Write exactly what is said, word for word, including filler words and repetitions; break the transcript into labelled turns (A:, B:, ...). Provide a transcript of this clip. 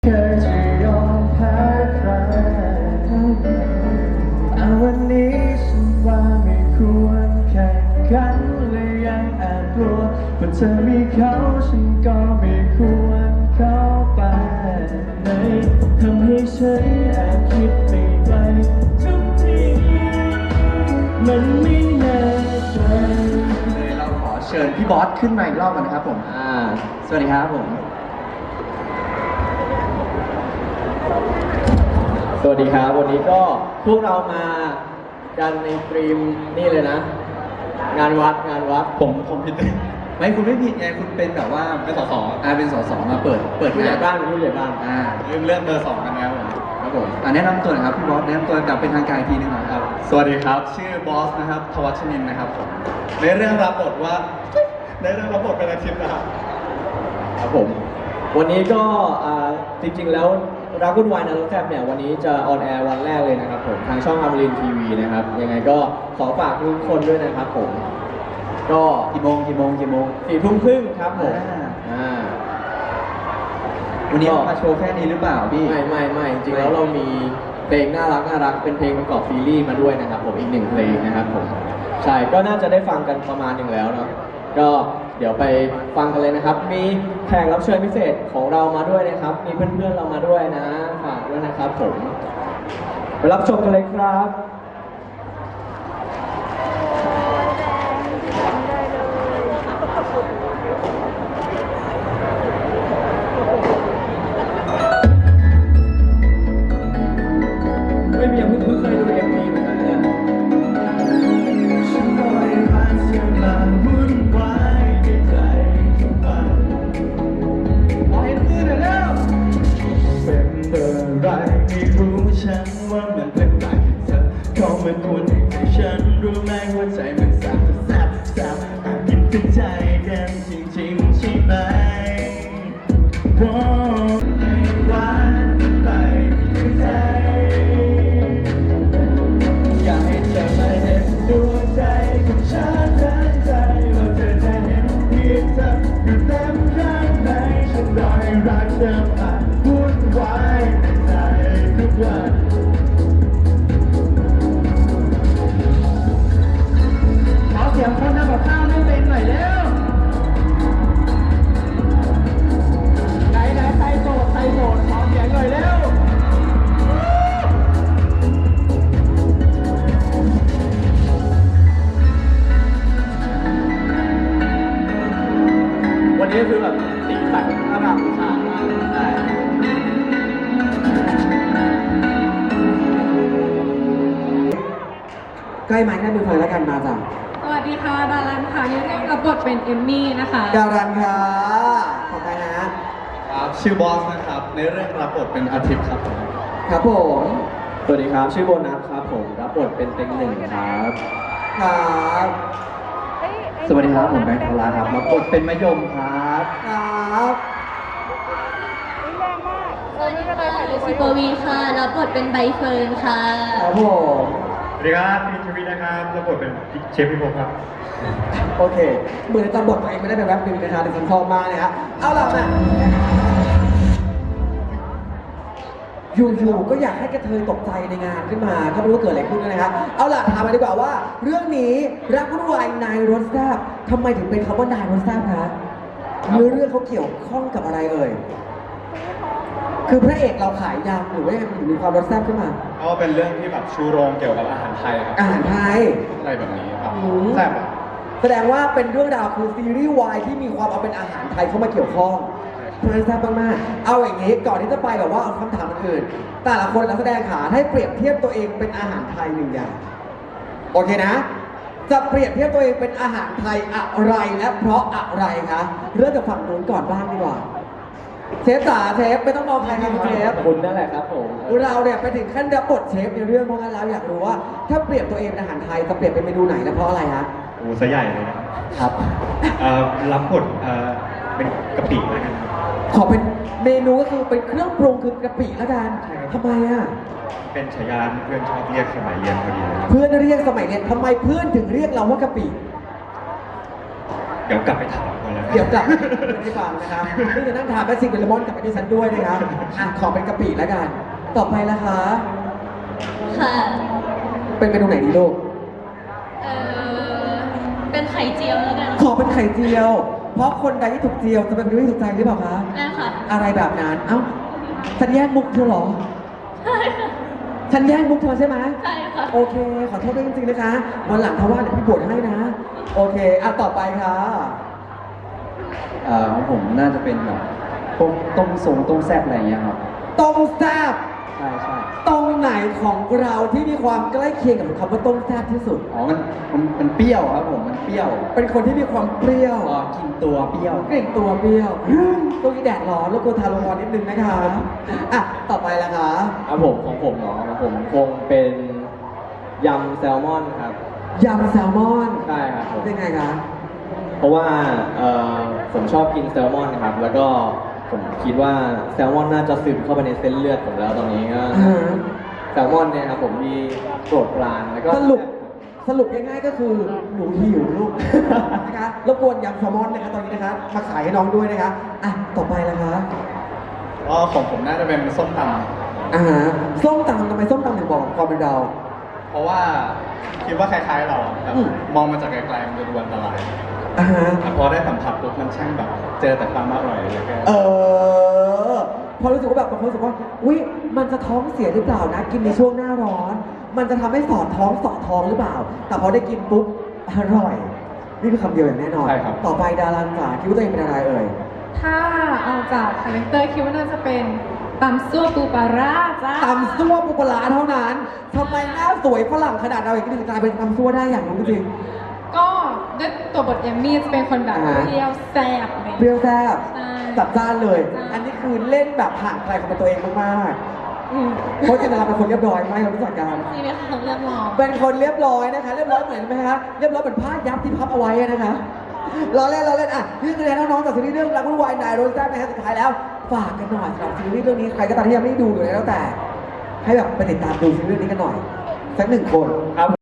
A: เคยจะยอมแพ้ใครแต่วันนี้ฉันว่าไม่ควรแข่งขันและยังแอบกลัวว่าเธอมีเขาฉันก็ไม่ควรเข้าไปในทำให้ฉันแอบคิดไปไกลทุกทีมันไม่แน่ใจเลยเราขอเชิญพี่บอสขึ้นมาอีกรอบกันนะครับผมอ่าสวัสดีครับผม
B: สวัสดีครับวันนี้ก็พวกเรามากันในตรีมนี่เลยนะงานวัดงานวัด
A: ผมผมผิดไม่คุณไม่ผิดไงคุณเป็นแบบว่าเป็นสสอ่าเป็นสสมาเปิดเปิด
B: ผู้ใหญ่บ้านเป็นผู้ใหญ่บ้าน
A: อ่าเริ่มเริ่มเบอร์สองกันแล้วครับผมอ่าแนะนำตัวหน่อยครับพี่บอสแนะนำตัวแบบเป็นทางการอีกทีนึงนะครับ
C: สวัสดีครับชื่อบอสนะครับทวัชนินนะครับผมในเรื่องรับบทว่าในเรื่องรับบทเป็นอาทิตย์นะครับ
B: ครับผมวันนี้ก็จริงๆแล้วรักวุ่นวายนะรถแทบเนี่ยวันนี้จะออนแอร์วันแรกเลยนะครับผมทางช่องอมรินทร์ทีวีนะครับยังไงก็ขอฝากทุกคนด้วยนะครับผมก็
A: กี่โมงกี่โมงกี่โมง
B: สี่ทุ่มครึ่งครับผมอ่า
A: วันนี้มาโชว์แค่นี้หรือเปล่าพี่
B: ไม่ไม่ไม่จริงๆแล้วเรามีเพลงน่ารักน่ารักเป็นเพลงประกอบซีรีส์มาด้วยนะครับผมอีกหนึ่งเพลงนะครับผมใช่ก็น่าจะได้ฟังกันประมาณหนึ่งแล้วเนาะก็เดี๋ยวไปฟังกันเลยนะครับมีแขกรับเชิญพิเศษของเรามาด้วยนะครับมีเพื่อนๆเรามาด้วยนะฝากด้วยนะครับผมไปรับชมกันเลยครับไม่มีเพิ่งเคยดูเอ็มวีเหมือนกันเนี่ย
A: ฉันว่ามันเป็นไรเธอเขาไม่ควรให้ฉันรู้ไหมว่าใจมันแสบแสบแสบแอบกินเป็นใจกันจริงๆใช่ไหมว่าไม่หวานไปใจอยากให้เธอมาเห็นดวงใจของฉันทั้งใจว่าเธอจะเห็นเพียงเธออยู่เต็มข้างในฉันรอให้รักเธอมาวุ่นวายในใจทุกวันเสียงคนทำกับข้าวไม่เป็นหน่อยเร็วไหนไหนใครโสดใครโสดขอเสียงหน่อยเร็ว
B: วันนี้คือแบบสีสันอร่ามชามากใช่
D: ใกล้ไม้ใกล้มือเฟิร์นแล้วกันมาจ้ะ
E: สวัสดีค่ะดารันค่ะในเรื่องรับบทเป็นเอมมี่นะคะ
D: ดารันค่ะขอบคุณนะครับ
C: ชื่อบอสนะครับในเรื่องรับบทเป็นอาทิตย์ครับผม
D: ครับผม
B: สวัสดีครับชื่อโบนัสครับผมรับบทเป็นเต็งหนึ่งครับ
D: ครับ
A: สวัสดีครับผมแบงค์ทลาครับรับบทเป็นมะยมครับ
D: ครับ
E: ซิปวีค่ะรับบทเป็นใบเฟิร์นค่ะ
D: ครับผม
C: สวัสดีครับพีทวีนะครับรับบทเป็นเชฟพิภพครับ
D: โอเคเหมือนจำบทตัวเองไม่ได้เป็นแวบหนึ่งนะคะแต่ฉันชอบมากเลยฮะเอาล่ะนะอยู่ๆก็อยากให้กระเทยตกใจในงานขึ้นมาก็ไม่รู้ว่าเกิดอะไรขึ้นนะครับเอาล่ะถามมาดีกว่าว่าเรื่องนี้รักวุ่นวายนายรถแซ่บทำไมถึงเป็นคำว่านายรถแซ่บคะเนื้อเรื่องเขาเกี่ยวข้องกับอะไรเอ่ยคือพระเอกเราขายยำหรือว่าถึงมีความรสแซ่บขึ้นมา
C: ก็เป็นเรื่องที่แบบชูโรงเกี่ยวกับอาหารไทยครับ
D: อาหารไทย
C: อะไรแบบนี้ครับแซ่บอ่ะ
D: แสดงว่าเป็นเรื่องราวคือซีรีส์วายที่มีความเอาเป็นอาหารไทยเข้ามาเกี่ยวข้องเพราะฉะนั้นแซ่บมากๆเอาอย่างนี้ก่อนที่จะไปแบบว่าเอาคำถามอื่นแต่ละคนนักแสดงขาให้เปรียบเทียบตัวเองเป็นอาหารไทยหนึ่งอย่างโอเคนะจะเปรียบเทียบตัวเองเป็นอาหารไทยอะไรและเพราะอะไรคะเริ่มจากฝั่งนู้นก่อนบ้างดีกว่าเชฟจ๋าเชฟไม่ต้องมองใครครับเชฟ
B: คุณนั่นแหละครับผม
D: เราเนี่ยไปถึงขั้นรับบทเชฟในเรื่องเพราะงั้นแล้วอยากรู้ว่าถ้าเปรียบตัวเองเป็นอาหารไทยจะเปรียบเป็นเมนูไหนและเพราะอะไรฮะ
C: โอ้ซะใหญ่เลยนะครับรับบทเป็นกะปิแล้วกันครับ
D: ขอเป็นเมนูก็คือเป็นเครื่องปรุงคือกะปิแล้วกันทำไมอ่ะ
C: เป็นฉายาเพื่อนชอบเรียกสมัยเรียนพอดีเลย
D: เพื่อนเรียกสมัยเรียนทำไมเพื่อนถึงเรียกเราว่ากะปิ
C: เดี๋ยวกลับไปถามก่อนกันแล้ว
D: เดี๋ยวกลับมาให้ฟังนะครับนี่จะนั่งทานแมสซิ่งเบลมอนกับไอดิสันด้วยนะครับอ่ะขอเป็นกะปิแล้วกัน ต่อไปละคะ
E: ค่ะ
D: เป็นเมนูไหนดีลูก
E: เออเป็นไข่เจียวแล้วกัน
D: ขอเป็นไข่เจียว เพราะคนใดที่ถูกเจียวจะเป็นคนที่ถูกใจหรือเปล่าคะ
E: ได้ค่ะ
D: อะไรแบบนั้น เอ้า ฉันแย่งมุกเธอเหรอ
E: ใช่ค่ะ
D: ฉันแย่งมุกเธอใช่ไหม
E: ใช่ค่ะ
D: โอเค ขอโทษด้วยจริงๆนะคะ วันหลังถ้าว่าเดี๋ยวพี่บวชให้นะ โอเค อ่ะต่อไปค่ะ
A: เอ่อของผมน่าจะเป็นแบบต้มต้มทรงต้มแซ่บอะไรอย่างเงี้ยครับ
D: ต้มแซ่บ
A: ใช่ใช่
D: ตรงไหนของเราที่มีความใกล้เคียงกับคำว่าต้มแซ่บที่สุด
A: อ๋อมันมันมันเปรี้ยวครับผมมันเปรี้ยว
D: เป็นคนที่มีความเปรี้ยว
A: ก็กินตัวเปรี้ยว
D: กลิ่นตัวเปรี้ยวตรงนี้แดดร้อนแล้วก็ทาโลงอนนิดนึงนะคะอ่ะ ต่อไปละคะ
B: ครับผมของผมเนาะของผมคงเป็นยำแซลมอนครับ
D: ยำแซลมอน
B: ใช่ครับผม
D: เป็นไงคะ
B: เพราะว่าเอ่อผมชอบกินแซลมอนนะครับ แล้วก็ผมคิดว่าแซลมอนน่าจะซึมเข้าไปในเส้นเลือดผมแล้วตอนนี้ก็
D: อ่าฮะ
B: แซลมอนเนี่ยครับผมมีโปรดปรานแล้วก็
D: สรุปสรุปง่ายๆก็คือหนูหิวลูก นะคะรบกวนยำแซลมอนนะคะตอนนี้นะคะมาขายให้น้องด้วยนะคะอ่ะต่อไปละคะ
C: ก็ของผมน่าจะเป็นส้มต
D: อ่าฮะส้มตำทำไมส้มตำถึงบอกความเป็นเรา
C: ำเพราะว่าคิดว่าคล้ายๆเราอะแบบ
D: อืม
C: มองมาจากไกลๆมันจะดูอันตราย
D: อ่าฮะ
C: แต่พอได้สัมผัสปุ๊บมันช่างแบบ เจอแต่ความอร่อยเลยแก
D: เออพอรู้สึกว่าแบบบางคนรู้สึกว่าอุ้ยมันจะท้องเสียหรือเปล่านะ กินในช่วงหน้าร้อน มันจะทำให้สอดท้องสอดท้องหรือเปล่า แต่พอได้กินปุ๊บอร่อย นี่คือคำเดียวอย่างแน่นอน
C: ใช่ครับ
D: ต่อไปดาราจ๋าคิดว่าตัวเองเป็นอะไรเอ่ย
F: ถ้าเอาจากคาแรคเตอร์คิดว่าน่าจะเป็นตำซั่วปูปลาร่าจ้า
D: ตำซั่วปูปลาร้าเท่านั้นทำไมหน้าสวยฝรั่งขนาดเราอย่างนี้ถึงกลายเป็นตำซั่วได้อย่างรู้จริง
F: ก็ด้วยตัวบทยามี่จะเป็นคนแบบ
D: อ่า
F: เปรี้ยวแซ่บอะไรอย่าง
D: เปรี้
F: เงี้ย
D: ยวแซ่บ
F: ใช่
D: จัดจ้านเลย
F: ใช่
D: อันนี้คือเล่นแบบห่างไกลความเป็นตัวเองมาก
F: อืม
D: ๆเพราะจริงๆเราเป็นคนเรียบร้อยไหมเรารู้จักกัน
E: นี่เป็นของเรียบร้อย
D: เป็นคนเรียบร้อยนะคะ เรียบร้อยเหมือนไหมคะเรียบร้อยเหมือนผ้ายับที่พับเอาไว้อะนะคะเราเล่นเราเล่นอ่ะนี่คือแนน้องๆจากซีรีส์เรื่องรักวุ่นวายนายโรสแซ่บนะฮะสุดท้ายแล้วฝากกันหน่อยสำหรับซีรีส์เรื่องนี้ใครก็ตามที่ยังไม่ได้ดูหรืออะไรแล้วแต่ ให้แบบไปติดตามดูซีรีส์เรื่องนี้กันหน่อยสักหนึ่งคน
B: ครับ